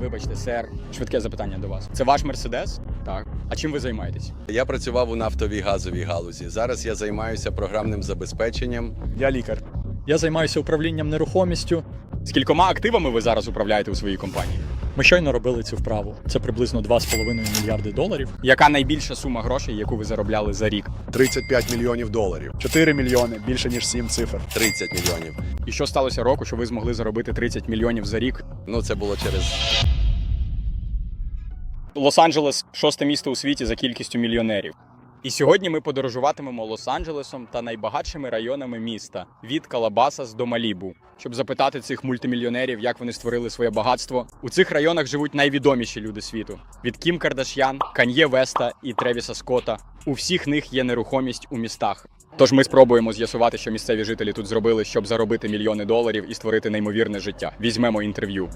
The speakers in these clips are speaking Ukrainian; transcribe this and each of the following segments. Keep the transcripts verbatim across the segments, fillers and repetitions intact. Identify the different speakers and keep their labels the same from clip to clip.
Speaker 1: Вибачте, сер, швидке запитання до вас. Це ваш Мерседес? Так. А чим ви займаєтесь?
Speaker 2: Я працював у нафтовій газовій галузі. Зараз я займаюся програмним забезпеченням.
Speaker 3: Я лікар. Я займаюся управлінням нерухомістю.
Speaker 1: Скількома активами ви зараз управляєте у своїй компанії?
Speaker 3: Ми щойно робили цю вправу. Це приблизно два з половиною мільярди доларів.
Speaker 1: Яка найбільша сума грошей, яку ви заробляли за рік?
Speaker 4: тридцять п'ять мільйонів доларів.
Speaker 3: чотири мільйони, більше ніж сім цифр.
Speaker 2: тридцять мільйонів.
Speaker 1: І що сталося року, що ви змогли заробити тридцять мільйонів за рік?
Speaker 2: Ну, це було через...
Speaker 1: Лос-Анджелес – шосте місто у світі за кількістю мільйонерів. І сьогодні ми подорожуватимемо Лос-Анджелесом та найбагатшими районами міста – від Калабасас до Малібу, щоб запитати цих мультимільйонерів, як вони створили своє багатство. У цих районах живуть найвідоміші люди світу – від Кім Кардаш'ян, Кан'є Веста і Тревіса Скотта. У всіх них є нерухомість у містах. Тож ми спробуємо з'ясувати, що місцеві жителі тут зробили, щоб заробити мільйони доларів і створити неймовірне життя. Візьмемо інтерв'ю.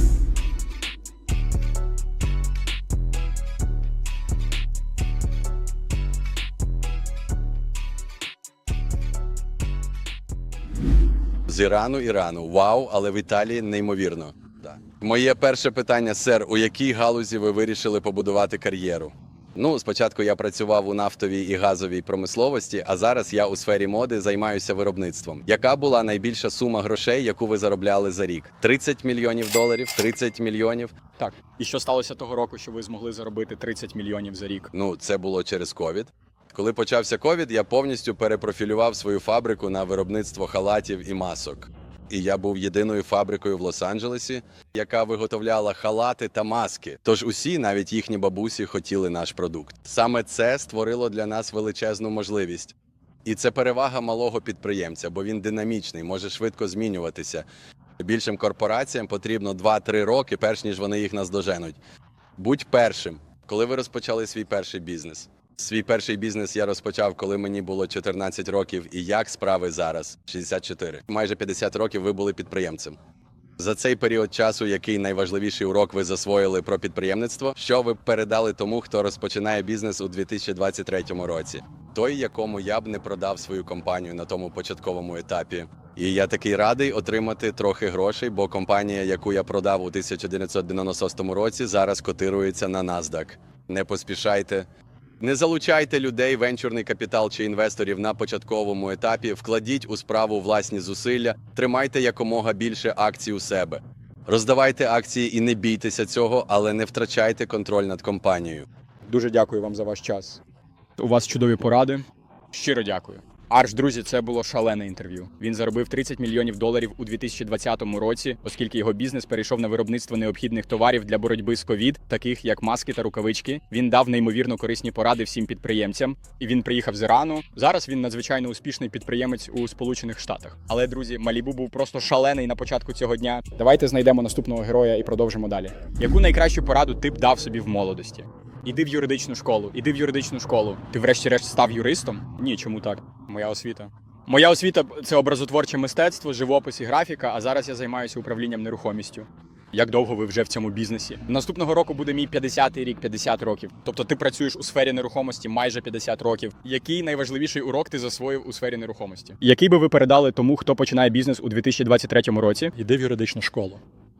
Speaker 2: З Ірану, Ірану. Вау, але в Італії неймовірно. Да. Моє перше питання, сер, у якій галузі ви вирішили побудувати кар'єру? Ну, спочатку я працював у нафтовій і газовій промисловості, а зараз я у сфері моди займаюся виробництвом. Яка була найбільша сума грошей, яку ви заробляли за рік? тридцять мільйонів доларів? тридцять мільйонів?
Speaker 1: Так. І що сталося того року, що ви змогли заробити тридцять мільйонів за рік?
Speaker 2: Ну, це було через ковід. Коли почався ковід, я повністю перепрофілював свою фабрику на виробництво халатів і масок. І я був єдиною фабрикою в Лос-Анджелесі, яка виготовляла халати та маски. Тож усі, навіть їхні бабусі, хотіли наш продукт. Саме це створило для нас величезну можливість. І це перевага малого підприємця, бо він динамічний, може швидко змінюватися. Більшим корпораціям потрібно два-три роки, перш ніж вони їх наздоженуть. Будь першим. Коли ви розпочали свій перший бізнес? Свій перший бізнес я розпочав, коли мені було чотирнадцять років, і як справи зараз? шістдесят чотири. Майже п'ятдесят років ви були підприємцем. За цей період часу, який найважливіший урок ви засвоїли про підприємництво, що ви передали тому, хто розпочинає бізнес у дві тисячі двадцять третьому році? Той, якому я б не продав свою компанію на тому початковому етапі. І я такий радий отримати трохи грошей, бо компанія, яку я продав у тисяча дев'ятсот дев'яносто шостому році, зараз котирується на NASDAQ. Не поспішайте. Не залучайте людей, венчурний капітал чи інвесторів на початковому етапі, вкладіть у справу власні зусилля, тримайте якомога більше акцій у себе. Роздавайте акції і не бійтеся цього, але не втрачайте контроль над компанією.
Speaker 1: Дуже дякую вам за ваш час. У вас чудові поради. Щиро дякую. Арш, друзі, це було шалене інтерв'ю. Він заробив тридцять мільйонів доларів у дві тисячі двадцятому році, оскільки його бізнес перейшов на виробництво необхідних товарів для боротьби з ковід, таких як маски та рукавички. Він дав неймовірно корисні поради всім підприємцям, і він приїхав з Ірану. Зараз він надзвичайно успішний підприємець у Сполучених Штатах. Але, друзі, Малібу був просто шалений на початку цього дня. Давайте знайдемо наступного героя і продовжимо далі. Яку найкращу пораду ти б дав собі в молодості? Іди в юридичну школу, іди в юридичну школу. Ти врешті-решт став юристом? Ні, чому так? Моя освіта. Моя освіта – це образотворче мистецтво, живопис і графіка, а зараз я займаюся управлінням нерухомістю. Як довго ви вже в цьому бізнесі? Наступного року буде мій п'ятдесятий рік, п'ятдесят років. Тобто ти працюєш у сфері нерухомості майже п'ятдесят років. Який найважливіший урок ти засвоїв у сфері нерухомості? Який би ви передали тому, хто починає бізнес у дві тисячі двадцять третьому році?
Speaker 3: Іди в юридичну школу.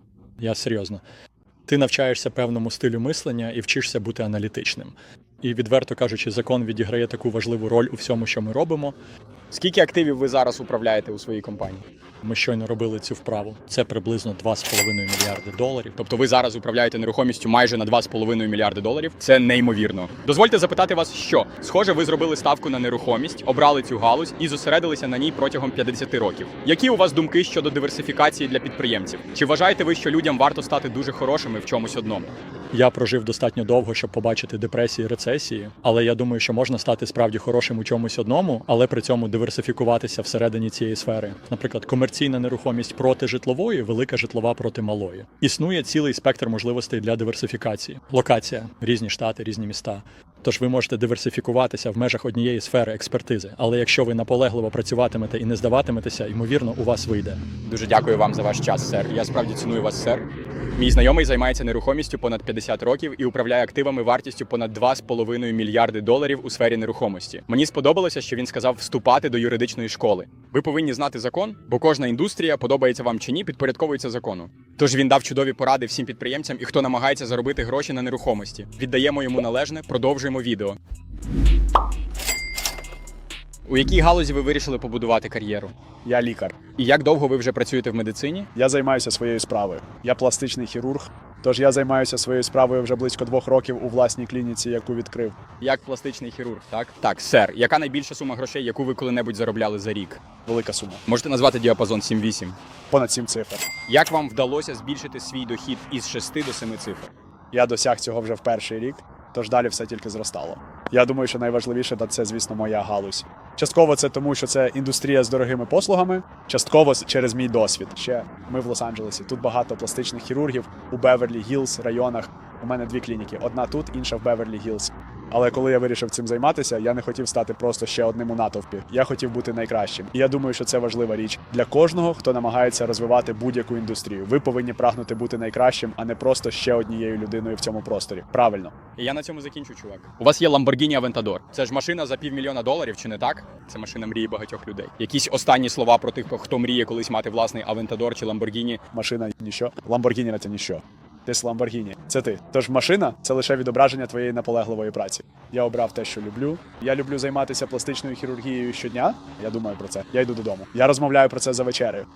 Speaker 3: Я серйозно. Ти навчаєшся певному стилю мислення і вчишся бути аналітичним. І, відверто кажучи, закон відіграє таку важливу роль у всьому, що ми робимо.
Speaker 1: Скільки активів ви зараз управляєте у своїй компанії?
Speaker 3: Ми щойно робили цю вправу. Це приблизно два з половиною мільярди доларів.
Speaker 1: Тобто ви зараз управляєте нерухомістю майже на два з половиною мільярди доларів. Це неймовірно. Дозвольте запитати вас, що? Схоже, ви зробили ставку на нерухомість, обрали цю галузь і зосередилися на ній протягом п'ятдесят років. Які у вас думки щодо диверсифікації для підприємців? Чи вважаєте ви, що людям варто стати дуже хорошими в чомусь одному?
Speaker 3: Я прожив достатньо довго, щоб побачити депресії, рецесії, але я думаю, що можна стати справді хорошим у чомусь одному, але при цьому диверсифікуватися всередині цієї сфери. Наприклад, комерційна нерухомість проти житлової, велика житлова проти малої. Існує цілий спектр можливостей для диверсифікації. Локація, різні штати, різні міста. Тож ви можете диверсифікуватися в межах однієї сфери експертизи. Але якщо ви наполегливо працюватимете і не здаватиметеся, ймовірно, у вас вийде.
Speaker 1: Дуже дякую вам за ваш час, сер. Я справді ціную вас, сер. Мій знайомий займається нерухомістю понад п'ятдесят років і управляє активами вартістю понад два з половиною мільярди доларів у сфері нерухомості. Мені сподобалося, що він сказав вступати до юридичної школи. Ви повинні знати закон, бо кожна індустрія, подобається вам чи ні, підпорядковується закону. Тож він дав чудові поради всім підприємцям і хто намагається заробити гроші на нерухомості. Віддаємо йому належне, продовжуємо відео. У якій галузі ви вирішили побудувати кар'єру?
Speaker 5: Я лікар.
Speaker 1: І як довго ви вже працюєте в медицині?
Speaker 5: Я займаюся своєю справою. Я пластичний хірург. Тож я займаюся своєю справою вже близько двох років у власній клініці, яку відкрив.
Speaker 1: Як пластичний хірург, так? Так, сер, яка найбільша сума грошей, яку ви коли-небудь заробляли за рік?
Speaker 5: Велика сума.
Speaker 1: Можете назвати діапазон сім-вісім?
Speaker 5: Понад сім цифр.
Speaker 1: Як вам вдалося збільшити свій дохід із шести до семи цифр?
Speaker 5: Я досяг цього вже в перший рік, тож далі все тільки зростало. Я думаю, що найважливіше – це, звісно, моя галузь. Частково це тому, що це індустрія з дорогими послугами, частково через мій досвід. Ще ми в Лос-Анджелесі. Тут багато пластичних хірургів у Беверлі-Гіллз районах. У мене дві клініки. Одна тут, інша в Беверлі-Гіллз. Але коли я вирішив цим займатися, я не хотів стати просто ще одним у натовпі. Я хотів бути найкращим. І я думаю, що це важлива річ для кожного, хто намагається розвивати будь-яку індустрію. Ви повинні прагнути бути найкращим, а не просто ще однією людиною в цьому просторі. Правильно.
Speaker 1: І я на цьому закінчу, чувак. У вас є Lamborghini Aventador. Це ж машина за півмільйона доларів, чи не так? Це машина мрії багатьох людей. Якісь останні слова про тих, хто мріє колись мати власний Aventador чи Lamborghini.
Speaker 5: Машина – ніщо. Lamborghini – це ніщо. Ти з Lamborghini. Це ти. Тож машина – це лише відображення твоєї наполегливої праці. Я обрав те, що люблю. Я люблю займатися пластичною хірургією щодня. Я думаю про це. Я йду додому. Я розмовляю про це за вечерею.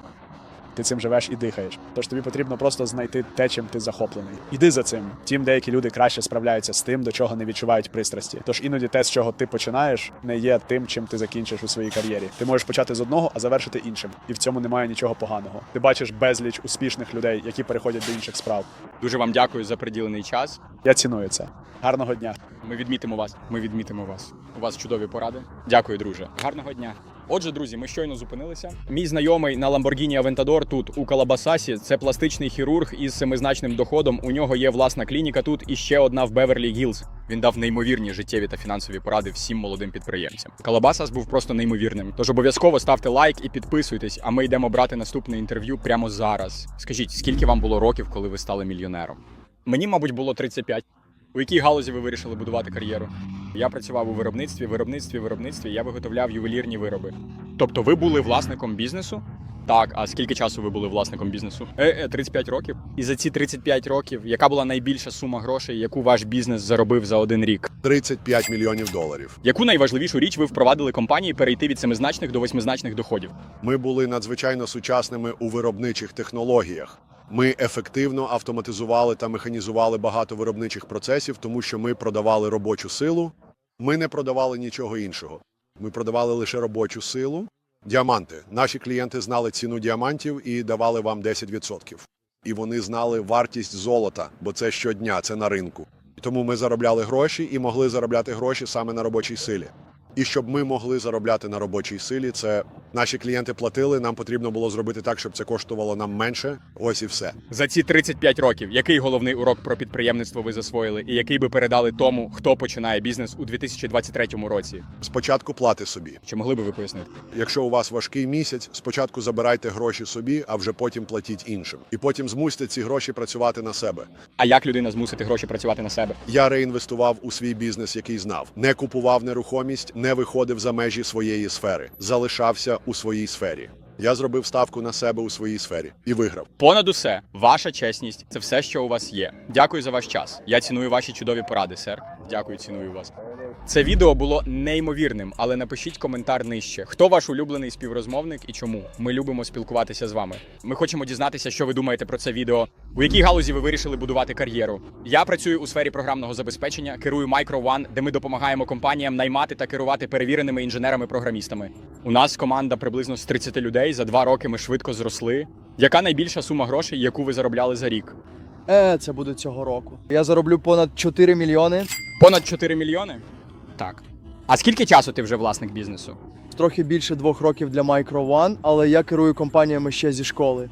Speaker 5: Ти цим живеш і дихаєш. Тож тобі потрібно просто знайти те, чим ти захоплений. Іди за цим. Втім, деякі люди краще справляються з тим, до чого не відчувають пристрасті. Тож іноді те, з чого ти починаєш, не є тим, чим ти закінчиш у своїй кар'єрі. Ти можеш почати з одного, а завершити іншим. І в цьому немає нічого поганого. Ти бачиш безліч успішних людей, які переходять до інших справ.
Speaker 1: Дуже вам дякую за приділений час.
Speaker 5: Я ціную це. Гарного дня.
Speaker 1: Ми відмітимо вас. Ми відмітимо вас. У вас чудові поради. Дякую, друже. Гарного дня. Отже, друзі, ми щойно зупинилися. Мій знайомий на Lamborghini Aventador тут у Калабасасі. Це пластичний хірург із семизначним доходом. У нього є власна клініка тут і ще одна в Беверлі-Гіллз. Він дав неймовірні життєві та фінансові поради всім молодим підприємцям. Калабасас був просто неймовірним. Тож обов'язково ставте лайк і підписуйтесь, а ми йдемо брати наступне інтерв'ю прямо зараз. Скажіть, скільки вам було років, коли ви стали мільйонером? Мені, мабуть, було тридцять п'ять. У якій галузі ви вирішили будувати кар'єру? Я працював у виробництві, виробництві, виробництві, я виготовляв ювелірні вироби. Тобто ви були власником бізнесу? Так, а скільки часу ви були власником бізнесу? Е, е, тридцять п'ять років. І за ці тридцять п'ять років, яка була найбільша сума грошей, яку ваш бізнес заробив за один рік?
Speaker 4: тридцять п'ять мільйонів доларів.
Speaker 1: Яку найважливішу річ ви впровадили компанії перейти від семизначних до восьмизначних доходів?
Speaker 4: Ми були надзвичайно сучасними у виробничих технологіях. Ми ефективно автоматизували та механізували багато виробничих процесів, тому що ми продавали робочу силу. Ми не продавали нічого іншого. Ми продавали лише робочу силу. Діаманти. Наші клієнти знали ціну діамантів і давали вам десять відсотків. І вони знали вартість золота, бо це щодня, це на ринку. Тому ми заробляли гроші і могли заробляти гроші саме на робочій силі. І щоб ми могли заробляти на робочій силі, це наші клієнти платили, нам потрібно було зробити так, щоб це коштувало нам менше. Ось і все.
Speaker 1: За ці тридцять п'ять років, який головний урок про підприємництво ви засвоїли і який би передали тому, хто починає бізнес у дві тисячі двадцять третьому році?
Speaker 4: Спочатку плати собі.
Speaker 1: Чи могли би ви пояснити?
Speaker 4: Якщо у вас важкий місяць, спочатку забирайте гроші собі, а вже потім платіть іншим. І потім змусьте ці гроші працювати на себе.
Speaker 1: А як людина змусити гроші працювати на себе?
Speaker 4: Я реінвестував у свій бізнес, який знав. Не купував нерухомість, не виходив за межі своєї сфери. Залишався у своїй сфері. Я зробив ставку на себе у своїй сфері і виграв.
Speaker 1: Понад усе, ваша чесність – це все, що у вас є. Дякую за ваш час. Я ціную ваші чудові поради, сер. Дякую, ціную вас. Це відео було неймовірним, але напишіть коментар нижче. Хто ваш улюблений співрозмовник і чому? Ми любимо спілкуватися з вами. Ми хочемо дізнатися, що ви думаєте про це відео. У якій галузі ви вирішили будувати кар'єру? Я працюю у сфері програмного забезпечення, керую Micro One, де ми допомагаємо компаніям наймати та керувати перевіреними інженерами-програмістами. У нас команда приблизно з тридцяти людей, за два роки ми швидко зросли. Яка найбільша сума грошей, яку ви заробляли за рік?
Speaker 6: Е, це буде цього року. Я зароблю понад чотири мільйони.
Speaker 1: Понад чотири мільйони? Так. А скільки часу ти вже власник бізнесу?
Speaker 6: Трохи більше двох років для Micro One, але я керую компаніями ще зі школи.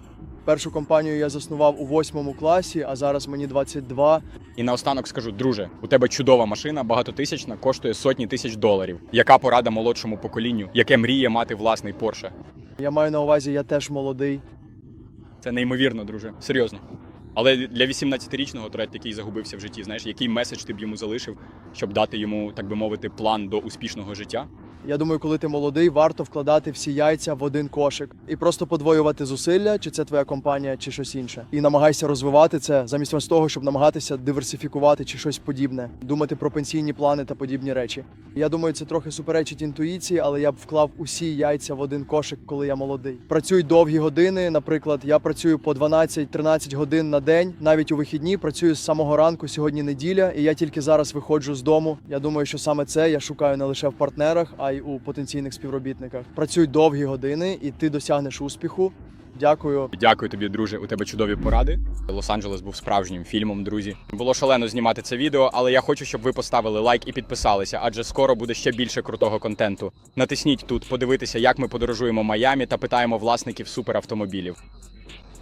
Speaker 6: Першу компанію я заснував у восьмому класі, а зараз мені двадцять два.
Speaker 1: І наостанок скажу, друже, у тебе чудова машина, багатотисячна, коштує сотні тисяч доларів. Яка порада молодшому поколінню, яке мріє мати власний Порше?
Speaker 6: Я маю на увазі, я теж молодий.
Speaker 1: Це неймовірно, друже. Серйозно. Але для вісімнадцятирічного Трет, який загубився в житті, знаєш, який меседж ти б йому залишив, щоб дати йому, так би мовити, план до успішного життя?
Speaker 6: Я думаю, коли ти молодий, варто вкладати всі яйця в один кошик і просто подвоювати зусилля, чи це твоя компанія, чи щось інше. І намагайся розвивати це, замість того, щоб намагатися диверсифікувати чи щось подібне, думати про пенсійні плани та подібні речі. Я думаю, це трохи суперечить інтуїції, але я б вклав усі яйця в один кошик, коли я молодий. Працюй довгі години. Наприклад, я працюю по дванадцять-тринадцять годин на день, навіть у вихідні працюю з самого ранку. Сьогодні неділя, і я тільки зараз виходжу з дому. Я думаю, що саме це я шукаю не лише в партнерах, а й у потенційних співробітниках. Працюй довгі години, і ти досягнеш успіху. Дякую.
Speaker 1: Дякую тобі, друже. У тебе чудові поради. Лос-Анджелес був справжнім фільмом, друзі. Було шалено знімати це відео, але я хочу, щоб ви поставили лайк і підписалися, адже скоро буде ще більше крутого контенту. Натисніть тут, подивитися, як ми подорожуємо Майамі та питаємо власників суперавтомобілів.